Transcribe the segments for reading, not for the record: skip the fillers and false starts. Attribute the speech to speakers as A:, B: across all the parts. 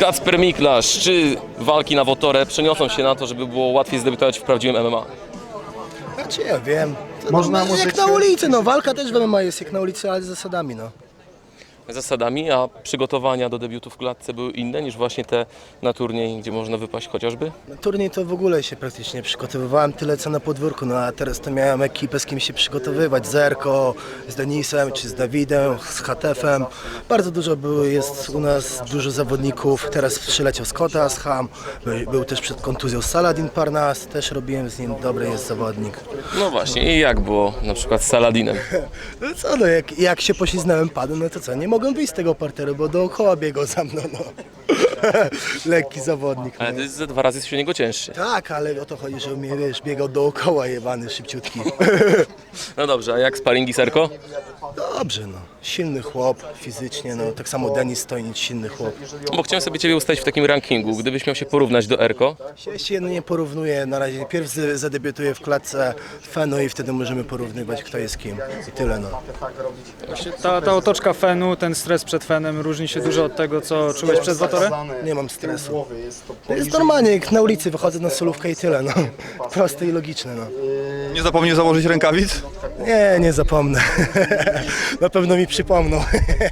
A: Kacper Miklasz, czy walki na Wotorę przeniosą się na to, żeby było łatwiej zdebiutować w prawdziwym MMA?
B: Znaczy ja wiem. To
C: Można
B: no, jak na ulicy, no walka też w MMA jest jak na ulicy, ale z zasadami, no.
A: Zasadami, a przygotowania do debiutu w klatce były inne niż właśnie te na turniej, gdzie można wypaść chociażby?
B: Na turniej to w ogóle się praktycznie przygotowywałem tyle co na podwórku, no a teraz to miałem ekipę z kim się przygotowywać, z Erko, z Denisem, czy z Dawidem, z HTF-em. Bardzo dużo jest u nas, dużo zawodników, teraz przyleciał Scotta z Ham, był też przed kontuzją Saladin Parnas, też robiłem z nim, dobry jest zawodnik.
A: No właśnie, i jak było na przykład z Saladinem?
B: No co, no jak się pośliznąłem, padłem, no to co, nie mogłem wyjść z tego parteru, bo dookoła biegał za mną, no. Lekki zawodnik.
A: Ale
B: No.
A: to jest ze 2 razy wśród niego cięższy.
B: Tak, ale o to chodzi, że mnie, wiesz, biegał dookoła jebany, szybciutki.
A: No dobrze, a jak sparingi Serko?
B: Dobrze, no. Silny chłop, fizycznie, no. Tak samo Denis Stojnic, silny chłop.
A: Bo chciałem sobie Ciebie ustawić w takim rankingu. Gdybyś miał się porównać do Erko,
B: Ja się nie porównuję na razie. Pierw zadebiutuję w klatce Fenu i wtedy możemy porównywać, kto jest kim. I tyle, no.
C: Ta otoczka Fenu, ten stres przed Fenem różni się dużo od tego, co czułeś przed Wotorę?
B: Nie mam stresu. To jest normalnie, jak na ulicy wychodzę na solówkę i tyle, no. Proste i logiczne, no.
D: Nie zapomnij założyć rękawic?
B: Nie zapomnę. Na pewno mi przypomną.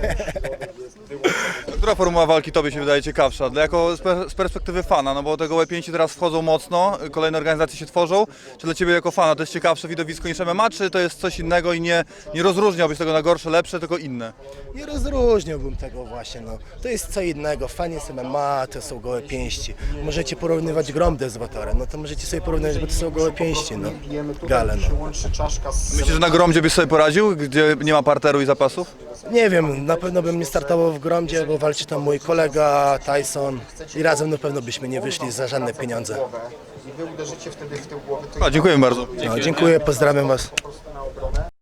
D: Która formuła walki Tobie się wydaje ciekawsza? Z perspektywy fana, no bo tego łeb-pięści teraz wchodzą mocno, kolejne organizacje się tworzą. Czy dla Ciebie jako fana to jest ciekawsze widowisko niż MMA, czy to jest coś innego i nie rozróżniałbyś tego na gorsze, lepsze, tylko inne?
B: Nie rozróżniałbym tego właśnie, no. To jest co innego. Fan jest MMA, to są gołe pięści. Możecie porównywać Gromdę z Wotorem, no to możecie sobie porównywać, bo to są gołe pięści, no. Gale, no.
D: Myślisz, że na Gromdzie byś sobie poradził, gdzie nie ma parteru i zapasów?
B: Nie wiem, na pewno bym nie startował w Gromdzie, bo walczy tam mój kolega Tyson i razem na pewno byśmy nie wyszli za żadne pieniądze.
D: A, dziękuję bardzo.
B: No, dziękuję, pozdrawiam Was.